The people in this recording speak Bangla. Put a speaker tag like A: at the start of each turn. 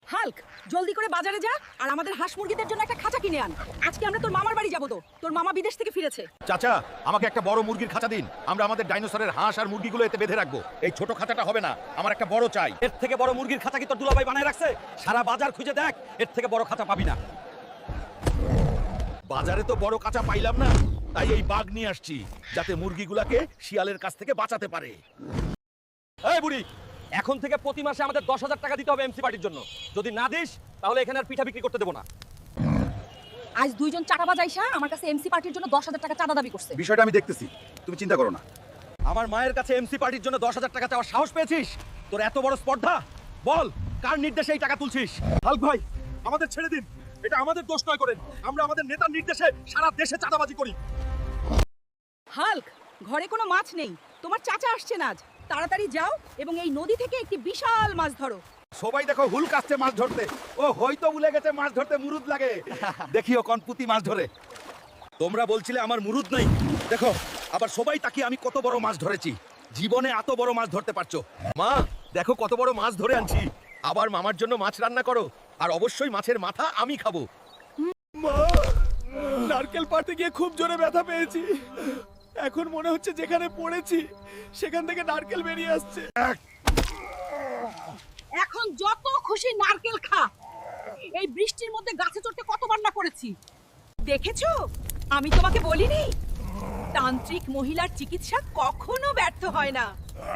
A: হাল্ক, জলদি করে বাজারে যা আর আমাদের হাঁস মুরগিদের জন্য একটা খাঁচা কিনে আন। আজকে আমরা তোর মামার বাড়ি যাবো তো, তোর মামা বিদেশ থেকে ফিরেছে।
B: চাচা, আমাকে একটা বড় মুরগির খাঁচা দিন। আমরা আমাদের ডাইনোসরের হাঁস আর মুরগিগুলো এতে বেঁধে রাখবো। এই ছোট খাঁচাটা হবে না, আমার একটা বড় চাই।
C: এর থেকে বড় মুরগির খাঁচা কি তোর দুলাভাই বানায় রাখছে? সারা বাজার খুঁজে দেখ, এর থেকে বড় খাঁচা পাবি না।
B: বাজারে তো বড় কাঁচা পাইলাম না, তাই এই বাঘ নিয়ে আসছি, যাতে মুরগিগুলাকে শিয়ালের কাছ থেকে বাঁচাতে পারে।
C: এই বুড়ি, এখন থেকে প্রতি মাসে আমাদের 10,000 টাকা দিতে হবে এমসি পার্টির জন্য। যদি না দিস তাহলে এখানে আর পিঠা বিক্রি করতে দেবো না।
A: আজ দুইজন চাঁদাবাজ আইসা আমার কাছে এমসি পার্টির জন্য 10,000 টাকা চাঁদা দাবি করছে।
B: বিষয়টা আমি দেখতেছি, তুমি চিন্তা করো না।
C: আমার মায়ের কাছে এমসি পার্টির জন্য 10,000 টাকা চাওয়ার সাহস পেয়েছিস? তোর এত বড় স্পর্ধা? বল, কার নির্দেশে এই টাকা তুলছিস?
B: হাল্ক ভাই, আমাদের ছেড়ে দিন। এটা আমাদের দোষ নয় করেন, আমরা আমাদের নেতার নির্দেশে সারা দেশে চাঁদাবাজি করি।
A: হাল্ক, ঘরে কোনো মাছ নেই, তোমার চাচা আসছেন আজ। তাড়াতাড়ি যাও এবং এই নদী থেকে একটি বিশাল মাছ ধরো।
B: সবাই দেখো, হুলক আসছে মাছ ধরতে। ও হয়তো ভুলে গেছে মাছ ধরতে মুরুদ লাগে। দেখিও কনপুতি মাছ ধরে। তোমরা বলছিলে আমার মুরুদ নাই, দেখো আবার সবাই তাকিয়ে আমি কত বড় মাছ ধরেছি। জীবনে এত বড় মাছ ধরতে পারছো? মা, দেখো কত বড় মাছ ধরে আনছি। আবার মামার জন্য মাছ রান্না করো, আর অবশ্যই মাছের মাথা আমি খাবো।
D: মা, নারকেল পাড়তে গিয়ে খুব জোরে ব্যথা পেয়েছি। এখন মনে হচ্ছে যেখানে পড়েছি সেখান থেকে নারকেল বেরিয়ে আসছে।
A: এখন যত খুশি নারকেল খা। এই বৃষ্টির মধ্যে গাছে চড়তে কতবার না করেছি, দেখেছো? আমি তোমাকে বলিনি, তান্ত্রিক মহিলার চিকিৎসা কখনো ব্যর্থ হয় না।